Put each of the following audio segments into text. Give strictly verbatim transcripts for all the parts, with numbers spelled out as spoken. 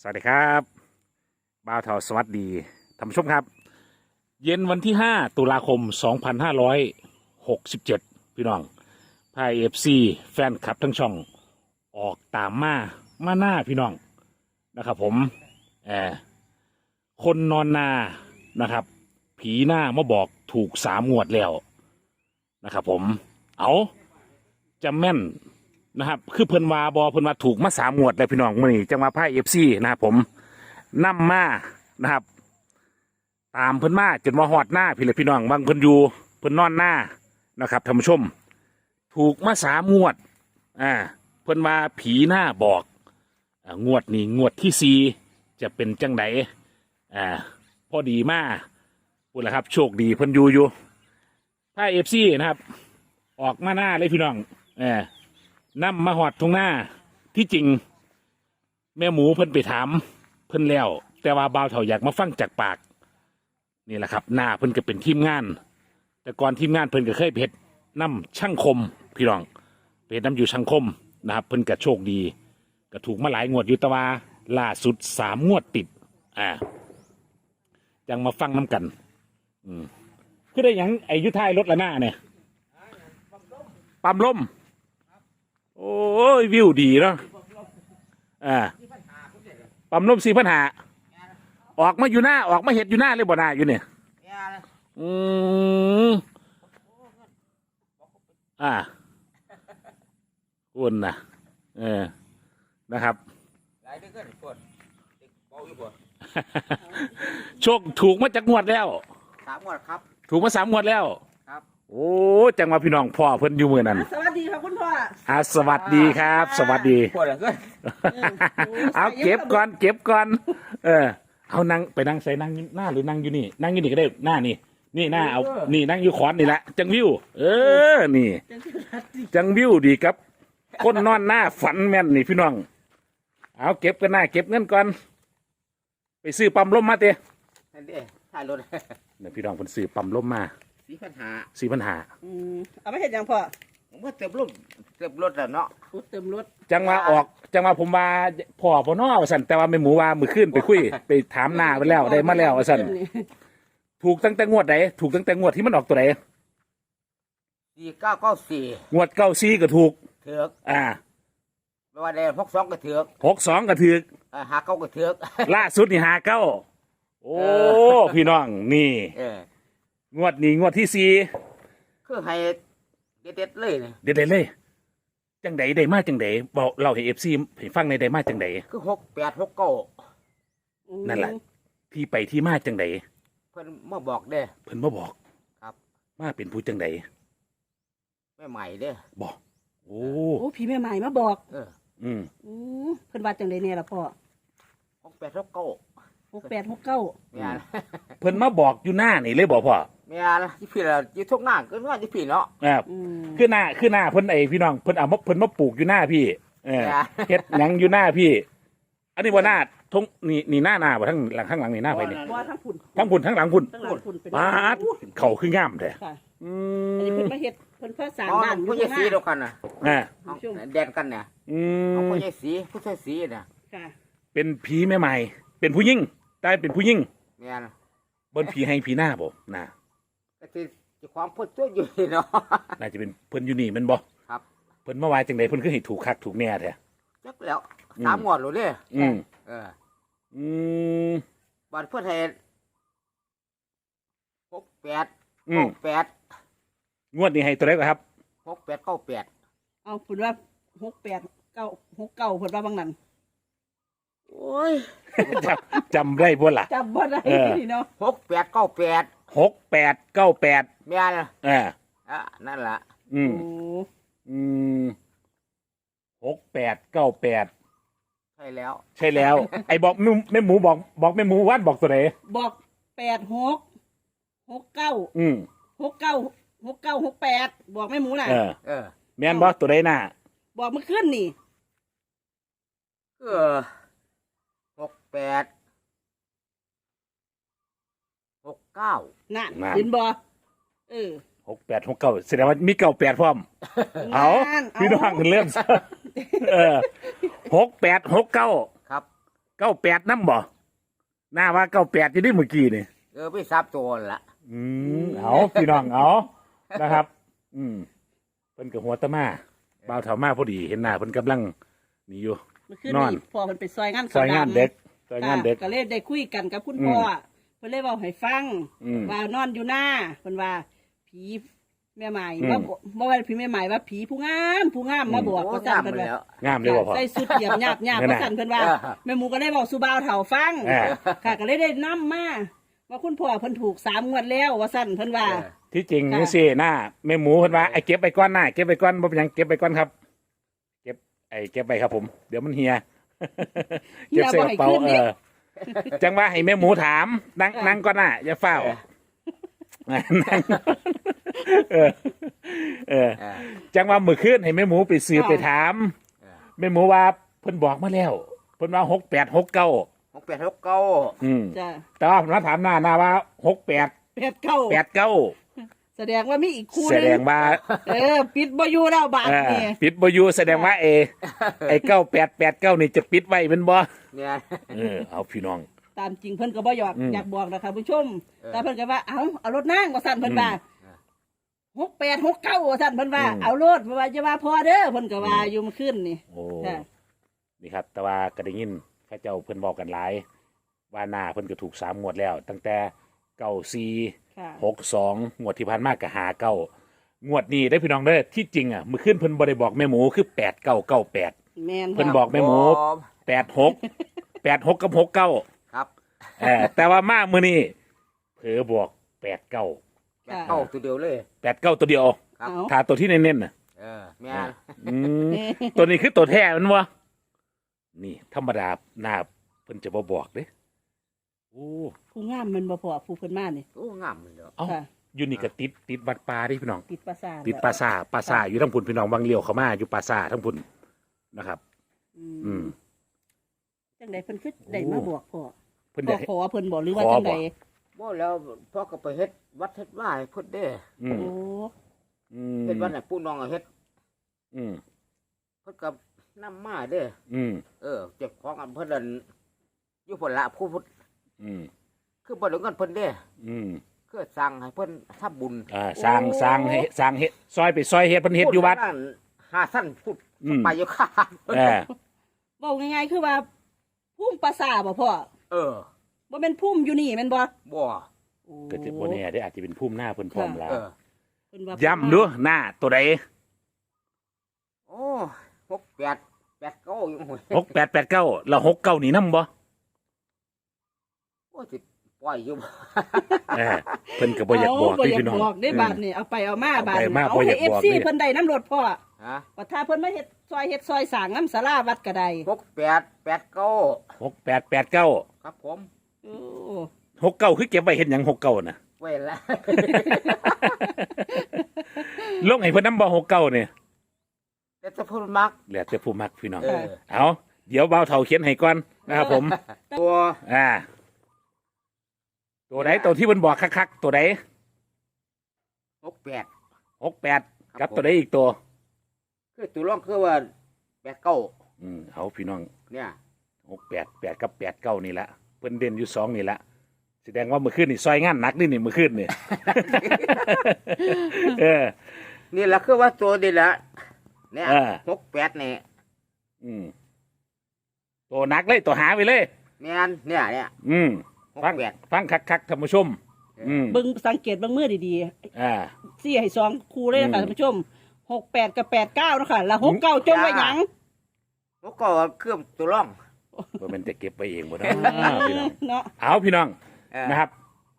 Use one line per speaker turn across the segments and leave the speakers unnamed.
สวัสดีครับบ่าวเทาสวัสดีท่านผู้ชมครับ เย็นวันที่ห้าตุลาคมสองพันห้าร้อยหกสิบเจ็ดพี่น้องพายเอฟซีแฟนคลับทั้งช่องออกตามมามาหน้าพี่น้องนะครับผมแอบคนนอนนานะครับ ผีหน้ามาบอกถูกสามงวดแล้วนะครับผมเอาจะแม่นนะครับคือเพิ่นวาบอเพิ่นว่าถูกมาสามงวดเลยพี่น้องมื่อนี้จังหวะพายเอฟซีนะครับผมนำมานะครับ ตามเพิ่นมาจนมาหอดหน้าพี่เลยพี่น้องบางเพิ่นอยู่เพิ่นนอนหน้านะครับท่านผู้ชม ถูกมาสามงวดอ่าเพิ่นว่าผีหน้าบอกอ่างวดนี้งวดที่สี่จะเป็นจังไดอ่าพอดีมาพูดแล้วครับโชคดีเพิ่นอยู่อยู่พายเอฟซีนะครับ ออกมาหน้าเลยพี่น้องเออนำมาหอดตรงหน้าที่จริงแม่หมูเพิ่นไปถามเพิ่นแล้วแต่ว่าบ่าวเฒ่าอยากมาฟังจากปากนี่แหละครับหน้าเพิ่นก็เป็นทีมงาน แต่ก่อนทีมงานเพิ่นก็เคยเพชรน้ำช่างคมพี่น้องเพชรน้ำอยู่ช่างคมนะครับเพิ่นก็โชคดีก็ถูกมาหลายงวดอยู่แตะวาล่าสุดสามงวดติดอ่ายังมาฟังน้ำกันอืมคือได้หยังไอ้ยุทธายรถละหน้าเนี่ยปั๊มลมโอ้ยวิวดีเนาะอ่าปั๊มลมสี่พันหาออกมาอยู่หน้าออกมาเห็ดอยู่หน้าเลยบ่หน้าอยู่เนี่ยอืมอ่าคุณนะเออนะครับโชคถูกมาจากงวดแล้ว
สามงวดครับ
ถูกมาสามงวดแล้ว
ครับ
โอ้จังหวะพี่น้องพ่อเพิ่นอยู่มือนั้น
สวัสดีครับคุณพ่อ
อ่าสวัสดีครับ สวัสดี
ปวดเหลือเกิน
เอาเก็บก่อนเก็บก่อนเออเอานั่งไปนั่งใส่นั่งหน้าหรือนั่งอยู่นี่นั่งอยู่นี่ก็ได้หน้านี่นี่หน้าเอานี่นั่งอยู่ขอนนี่แหละจังวิวเออนี่จังวิวดีครับคนนอนหน้าฝันแม่นนี่พี่น้องเอาเก็บกันหน้าเก็บเงินก่อนไปซื้อปั๊มลมมาเต้
นั่นดิถ่ายรถ
เนี่ยพี่น้องเพิ่นซื้อปั๊มลมมา
สี่พันหา
สี่พันหา
อืมเอาไปเห็นยังพ่อ
ผมว่าเติมรถเติมรถแล้วเนาะ
เติมรถ
จังว่าออกจังว่าผมว่าพ่อพ่อน้อว่าสั่นแต่ว่าไม่หมูว่ามือขึ้นไปคุยไปถามหน้าไปแล้วได้มาแล้วว่าสั่นถูกตั้งแต่งวดไหนถูกตั้งแต่งวดที่มันออกตัวไหน
สี่เก้าเก้าสี่
งวดเก้าสี่ก็ถูก
เถือก
อ่า
ไม่ว่าได้หกสองก็เถือก
หกสองก็ถือก
หาเก้าก็เถือก
ล่าสุดนี่หาเก้าโอ้พี่น้องนี่งวดนี้งวดที่สี่
คือให้เด็ดๆเลยเนี่ย
เด็ดๆเลยจังไดได้มาจังไดบอกเราให้เอฟซีให้ฟังในได้มาจังได
คือหกแปดหกเก้า
นั่นแหละที่ไปที่มาจังได
เพิ่นมาบอกเด้
เพิ่นมาบอก
ครับ
มาเป็นผู้จังได
แม่ใหม่เด้
บอกโอ้
โอ้พี่แม่ใหม่มาบอก
เออ
อืม
อืมเพิ่นว่าจังไดเนี่ยล่ะพ่อ
หกแปดหกเก้า
หกแปดหกเก้า
แม่
เพิ่นมาบอกอยู่หน้านี่เลยบอกพ่อ
แม่ละที่พี่ละยี่ทุกหน้าก็ว่าที่พี่เนาะ
ครับคือหน้าคือหน้าเพิ่นไอพี่น้องเพิ่นเอามาเพิ่นมาปลูกอยู่หน้าพี่เออเฮ็ดหยังอยู่หน้าพี่อันนี้ว่าหน้าทงนี่นี่หน้าหน้าบ่ทั้งหลังข้างหลังนี่หน้าไปนี่
ว่าทั้งพุ่น
ทั้งพุ่นทั้งหลังพุ่นปาดเข่าคืองามแท้
อืมอันนี้เพิ่นมาเฮ็ดเพิ่นเพิ่นสร้างบ้าน
อยู่ที่สีเดียวกันน่ะ
อ่า
แดนกันเนี่ย
อืม
ผู้ใหญ่สีผู้ชายสีน่ะ
ค่ะ
เป็นผีแม่ใหม่เป็นผู้หญิงได้เป็นผู้หญิง
แม่น
เบิ่นผีให้ผีหน้าบ่น่ะ
ก็สิจะความเพิ่นตัวอยู่เนาะ
น่าจะเป็นเพิ่นอยู่นี่แม่นบ่
ครับ
เพิ่นมาว่าจังได๋เพิ่นคือให้ถูกคักถูกแน่แท้
จักแล้วสามงวดแล้วเด้
อืม
เออ
อืม
บัดเพิ่นให้หกแปด
อืม
แปด
งวดนี้ให้ตัวเลขครับ
หกแปดเก้าแปด
เอาเพิ่นว่าหกแปดเก้าหกเก้าเพิ่นว่าบางนั้น
โอ้ย
จำจำได้บ่ล่ะ
จำบ่ได้เนาะ
หกแปดเก้าแปด
หกแปดเก้าแปด
แม่น
เออ
อ่ะนั่นล่ะ
อืมอืมหกแปดเก้าแปด
ใช่แล้ว
ใช่แล้วไอ้บอกแม่หมูบอกบอกแม่หมูวัดบอกตัวไหน
บอกแปดหกหกเก้า
อืม
หกเก้าหกเก้าหกแปดบอกแม่หมูน่ะ
เออเออแม่นบอกตัวไหนน่ะ
บอกเมื่อคืนนี่
เออหกแปดหกเก้า
นั่นเห็นบ่เออ
หกแปดหกเก้าแสดงว่ามีเก้าแปดพร้อมเอาพี่น้องกันเริ่มเออหกแปดหกเก้า
ครับ
เก้าแปดน้ำบ่หน้าว่าเก้าแปดจะได้เมื่อกี้นี่
เออไปซับโจรละ
อืมเอาพี่น้องเอานะครับ อืมเพิ่นกับหัวตะมาบ่าวเถามาพอดีเห็นหน้าเพิ่นกำลังนี่อยู่
เมื่อคืน
นอน
นี้พอมันไปซอยงาน
ซอยงานเด็กซอยงานเด็ก
ก็เลยได้คุยกันกับคุณพ่ออเพิ่นเลยเว้าให้ฟัง
อืม
ว่านอนอยู่หน้าเพิ่นว่า ผีแม่ใหม่
อืม
ว่าบ่บ่ว่าผีแม่ใหม่ว่าผีผู้งามผู้งามมาบอก
โอ้
ว่าซั่น
งาม
เพิ่น
แล้
ว่า
ว
งามเลยบ่พ่อ
ใส่สุดเหยียบหยาบหยาบ
นั่น
ว่า
น่ะ
ซั่นเพิ่นว่า
เออ
แม่หมูก็เลยบอกสู่บ่าวเฒ่าฟัง
เออ
ค่ะก็เลยได้นํมาว่าคุณพ่อเพิ่นถูกสามงวดแล้วว่าซั่นเพิ่นว่า
ที่จริง
ค่ะ
นี่สิหน้าแม่หมูเพิ่นว่าไอ้เก็บไปก้อนหน้าเก็บไปก้อนบ่เป็นหยังเก็บไปก้อนครับ เก็บไอ้เก็บไปครับผม เดี๋ยวมันเฮีย
เฮีย
เก็บใส่
บ่
ก
ให้
ระเป๋า
ขึ้น
เอ
เด้
อจังว่าให้แม่หมูถามนั่ง
ค่ะ
นั่งก้อนหน้าอย่าเฝ้านั่งเออเออ
เออ
จังว่ามื้อคืนให้แม่หมูไปสืบ
ค่ะ
ไปถาม
เออ
แม่หมูว่าเพิ่นบอกมาแล้วเพิ่นว่าหกแปดหกเก้า
หกแปดหกเก้า
อืม
จ้ะ
แต่ว่าผมมาถามหน้าหน้าว่าหกแปด
แปดเก้า
แปดเก้า
แสดงว่ามีอีกคู่ห
แส
นึ
ด
ง
งว่า
เออปิดบ่อยู่แล้วบาด
เออ
นี่
ปิดบอยูแสดงว่าเอ ไอเก้าแปดแปดเก้านี่จะปิดไว้เป็นบ่
เนี่ย
เออเอาพี่น้อง
ตามจริงเพิ่นก็บ่อยาก
อืม
อยากบอกนะคะผู้ชม
เออ
แต่เพิ่นก็ว่าเอาเอารถนั่งว่าสั่นเพิ่นว่า
อืม
หกแปดหกเก้าว่าสั่นเพิ่นว่า
อืม
เอารถเพราะว่าจะว่าพอเด้อเพิ่นก็ว่าอยู่เมาขึ้นนี่
โอ้
ค่ะ
นี่ครับ แต่ว่าก็ได้ยินเข้าเจ้าเพิ่นบอกกันหลาย ว่าหน้าเพิ่นก็ถูกสามงวดแล้ว ตั้งแต่เก้าสี่
ค่ะ
หกสองงวดที่ผ่านมาก็หาเก้างวดนี้ได้พี่น้องเด้อที่จริงอ่ะมื้อคืนเพิ่นบ่ได้บอกแม่หมูคือแปดเก้าเก้าแปด
แม่น
เพิ่นบอกแม่หมูแปดหกแปดหกกับหกเก้า
ครับ
เออแต่ว่ามามื้อนี้เผลอบอกแปดเก้า
แปดเก้าตัวเดียวเลย
แปดเก้าตัวเดียว
ครับ
เอา
ถ้าตัวที่เน้นๆน่ะ
เออแม่น
อืมตัวนี้คือตัวแท้มันวะนี่ธรรมดาหน้าเพิ่นจะบ่บอกเด้โอ้
ผู้งามมันบ่พอผู้เพิ่นมานี่
โอ้งามเลยเด้อ
เอ้า
ค่ะ
อยู่นี่ก็ติดติดวัดป่าดิพี่น้อง
ติดประสาท
ติดปราสาทปราสาทอยู่ทั้งพุ่นพี่น้องบางเลี้ยวเข้ามาอยู่ปราสาททั้งพุ่นนะครับ
อื
อื
ม
ม
จังไดเพิ่นคือได้มาบอกพ่อ
เพิ่น
พ่อ
ได้
ขอเพิ่นบอกหรือว่า
ขอ
จังได
บอก
บ่แล้วพ่อก็ไปเฮ็ดวัดเฮ็ดว่าให้เพิ่นเด้
อืม
โอ้
อืม
เฮ็ดวัดให้ปู่น้องก็เฮ็ด
อืม
เพิ่นก็นำมาเด้
อืม
เออเจ็บของอันเพิ่นนั่นอยู่พุ่นละผู้พุทธ
อืม
คือบ่ได้เงินเพิ่นเด้
อืม
คือสั่งให้เพิ่นทำบุญ
อ่าสร้างสร้างให้สร้างเฮ็ดซอยไปซอยเฮ็ดเพิ่นเฮ็ดอยู่วัด
พูนั่นหาสั้นพูด
อืม
ไปอยู่ข้าง
เออ
เว้าง่ายๆคือว่าพุ่มประสาทบ่พ่อ
เออ
บ่แม่นพุ่มอยู่นี่แม่นบ่
บ่
โอ้
ก็จะบ่แน่ได้อาจจะเป็นภูมิหน้าเพิ่นพร้อมแล้ว
เออ
เพิ่นว่า
ย้ำดูหน้าตัวใด
โอ้หกแปดแปดเก้าอยู่หวย
หกแปดแปดเก้าแล้วหกเก้านี่นำบ่
โอ้สิปล่อยอยู่
เออเพิ่นก็บ่อยากบอก
เบ่
พี่
อยาก
พี่น้อง
บอกได้บาดนี่เอาไปเอามาบาด
เอาไป
นี่
มา
เอา
บ่อยา
ให้
ก
เอฟ
บอก
ซี
เลย
เพิ่นได้น้ำรถพ่อ
ฮะ
ว่าถ้าเพิ่นมาเฮ็ดซอยเฮ็ดซอยสร้างน้ำศาลาวัดก็ได้
หกแปดแปดเก้า
หกแปดแปดเก้า
ครับผม
โอ้
หกเก้าคือเก็บไว้เฮ็ดหยังหกเก้าน่ะ
ไว้ละ
ลงให้เพิ่นนำบ่หกเก้าเนี่ย
แต่จะพูดมัก
แล้วแต่ผู้มักพี่น้อง
เออ
เอาเดี๋ยวเบาเฒ่าเขียนให้ก่อนนะครับผม
ตัว
อ่า ตัวไหนตัวที่เพิ่นบอกคักๆตัวไหน
หกแปด
หกแปดกับตัวไหนอีกตัว
คือตัวร่องคือว่าแปดเก้า
อืมเอาพี่น้อง
เนี่ย
หกแปดแปดกับแปดเก้านี่ละเพิ่นเด่นอยู่สองนี่ละแสดงว่าเมื่อคืนนี่ซอยงานหนักนี่นี่เมื่อคืนนี่ เออ
นี่แหละคือว่าตัวดีละเนี่ย
เออ
หกแปดเนี่ย
อืมตัวหนักเลยตัวหาไปเลย
แม่นเนี่ยเนี่ย
อืม
หก
ฟัง
แปด
ฟังคักๆท่านผู้ชม อืม
เบิ่งสังเกตเบิ่งมือดี
อ่า
ๆสี่ให้สองคู่เลยนะคะ
อืม
ท่านผู้ชมหกแปดกับแปดเก้านะคะแล้วหกเก้าจงไว้หยัง
หกเก้าเครื่องตัวร่อง
ว่ามันจะเก็บไปเองบ่เนาะพี่น้อง
เนาะ
เอาพี่น้อง
เออ
นะครับ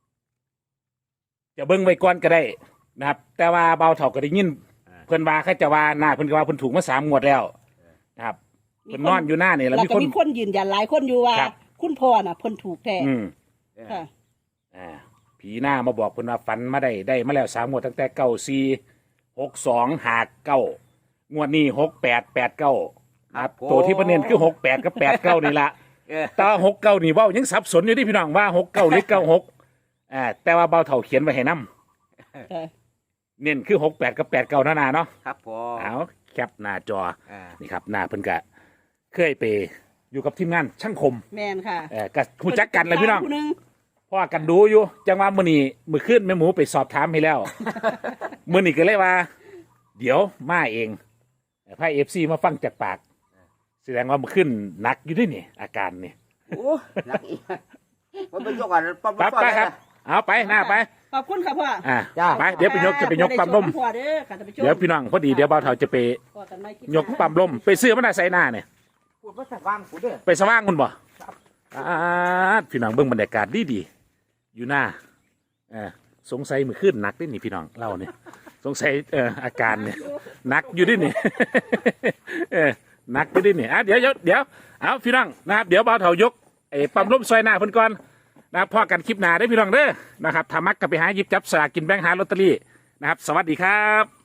จะเบิ่งไว้ก่อนก็ได้นะครับ แต่ว่าเบาเถาก็ได้ยินเพิ่นว่าเขาจะว่าหน้าเพิ่นก็ว่าเพิ่นถูกมาสามงวดแล้วนะครับเพิ่นนอนอยู่หน้านี่แล้ว
แล้ว
มี
ก็
คน
มีคนยืนยันหลายคนอยู่ว่า
ครับ
คุณพ่อน่ะเพิ่นถูกแท้
อืม
ค่ะ
อ่าผีหน้ามาบอกเพิ่นว่าฝันมาได้ได้มาแล้วสามงวดตั้งแต่เก้าสี่หกสองหาเก้างวดนี้หกแปดแปดเก้าครับตัวที่ประเด็นคือหกแปดกับแปดเก้านี่ละ
เออ
แต่หกเก้านี่เว่ายังสับสนอยู่ที่พี่น้องว่าหกเก้าหรือเก้าหกอ่าแต่ว่าเบาเถาเขียนไว้ให้นํ
ค่ะ
เน้นคือหกแปดกับแปดเก้านานาเนาะ
ครับผม
เอาแคปหน้าจอ
อ่า
นี่ครับหน้าเพิ่นกะเคยไปอยู่กับทีมงานช่างคม
แมนค่ะ
เออกับหูจักกันเลยพี่น้อง
ผู้หนึ่ง
พ่อกันดูอยู่จังว่ามื้อนี้มื้อคืนแม่หมูไปสอบถามให้แล้ว มื้อนี้ก็เลยว่า เดี๋ยวมาเองพายเอฟซีมาฟังจากปาก แสดงว่ามื้อคืนหนักอยู่ด้วยนี่อาการนี่
โอ้หนักอีกมันเป็นยกกันปั๊บ
ปั๊บไปครับ เอาไปหน้าไป
ขอบคุณค่ะพ่อ
อ่า
จ้า
ไปเดี๋ยวไปยกจะไปยกปั๊มลม
พ่อเด้อค่ะท่านผู้ชม
เดี๋ยวพี่น้องพอดีเดี๋ยวบ่าวเฒ่าจะไป
พอกันไม่คิด
ยกปั๊มลมไปซื้อมันน่ะใส่หน้าเนี่ย
พูดภาษาว่างกูเด้อ
ไปสว่างคุณบ่อ่าพี่น้องเบิ่งบรรยากาศดีดีๆอยู่หน้าเออสงสัยมือขึ้นหนักด้วยนี่พี่น้องเล่าเนี่ยสงสัยเอออาการเนี่ยหนักอยู่ด้วยนี่ เออหนักอยู่ด้วยนี่อ่ะเดี๋ยวเดี๋ยวเดี๋ยวเอาพี่น้องนะครับเดี๋ยวบ่าวเฒ่ายกไอ้ปั๊มลมซอยหน้าเพิ่นก่อนนะครับพอกันคลิปหน้าได้อพี่น้องเด้อนะครับถ้ามักก็ไปหาหยิบจับสลากกินแบ่งหาลอตเตอรี่นะครับ สวัสดีครับ